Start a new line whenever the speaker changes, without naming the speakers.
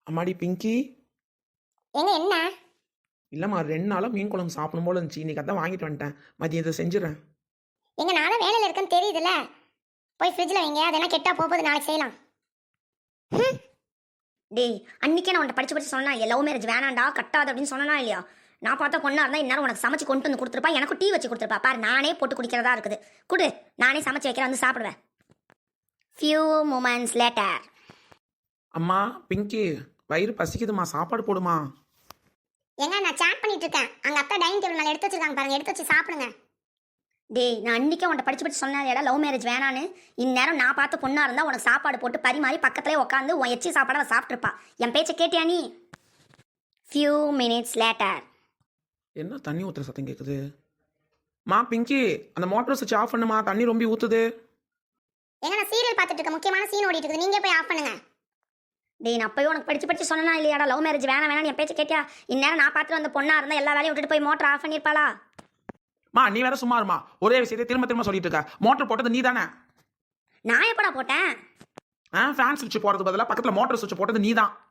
அம்மாடி பிங்கி.
ஏங்க என்ன?
இல்லைம்மா 2 நாளாக மீன் குழம்பு சாப்பிடும் போல இருந்துச்சு. இன்னைக்கு அதான் வாங்கிட்டு வந்துட்டேன். மதியம் இதை செஞ்சிடறேன்.
எங்க நானும் வேலையில் இருக்கேன்னு தெரியுதுல்ல. போய் ஃப்ரிட்ஜில் வைங்க, அதெல்லாம் கெட்டா போகுது, நாளைக்கு செய்யலாம்.
டேய், அன்னைக்கே நான் உன்ட்ட படிச்சு சொன்னா லவ் மேரேஜ் வேணாண்டா கட்டாது அப்படின்னு சொன்னா இல்லையா? நான் பார்த்தா பொண்ணா இருந்தா இந்நேரம் உனக்கு சமைச்சு கொண்டு வந்து கொடுத்துருப்பா, எனக்கு டீ வச்சு கொடுத்துருப்பா. பாரு, நானே போட்டு குடிக்கிறதா இருக்குது. குடு, நானே சமைச்சு வைக்கிறேன், வந்து சாப்பிடுவேன். Few moments later.
அம்மா பிங்கி, வயிறு பசிக்குதுமா, சாப்பாடு போடுமா.
ஏங்க நான் சாட் பண்ணிட்டு இருக்கேன். அங்க அப்பா டைனிங் டேபிள் மேல எடுத்து வச்சிருக்காங்க பாருங்க, எடுத்து வச்சு சாப்பிடுங்க.
டேய், நான் அன்னைக்கே உன்ட்ட படிச்சு சொன்னா லவ் மேரேஜ் வேணான்னு. இந்நேரம் நான் பார்த்த பொண்ணா இருந்தா உனக்கு சாப்பாடு போட்டு பரிமாறி பக்கத்துலேயே உட்காந்து உன் எச்சி சாப்பாடை சாப்பிட்ருப்பா. என் பேச்சை கேட்டியா நீ? Few minutes later.
என்ன தண்ணி ஊற்றுற சத்தம் கேட்குது? மா பிங்கி, அந்த மோட்டர் சுவிட்ச் ஆஃப் பண்ணுமா, தண்ணி ரொம்ப ஊற்றுது.
ஏங்க நான் சீரியல் பார்த்துட்டு இருக்கேன், முக்கியமான சீன் ஓடிட்டு இருக்குது, நீங்க போய் ஆஃப் பண்ணுங்க.
டேய், நான் அப்பயும் உனக்கு படிச்சு சொன்னா இல்லையாடா லவ் மேரேஜ் வேணாம் என் பேச்சை கேட்டியா? இந்நேரம் நான் பார்த்துட்டு வந்த பொண்ணா இருந்தா எல்லா வேலையும் விட்டுட்டு போய் மோட்டர் ஆஃப் பண்ணியிருப்பாளா?
மா நீ வேற சும்மா இருமா, ஒரே விஷயத்தை திரும்ப திரும்ப சொல்லிட்டு இருக்க. மோட்டர் போட்டது நீ தானே?
நான் எப்படா போட்டேன்?
ஃபேன் சுவிட்ச் போடுறது பதிலாக பக்கத்தில் மோட்டர் சுவிட்ச் போட்டது நீ தான்.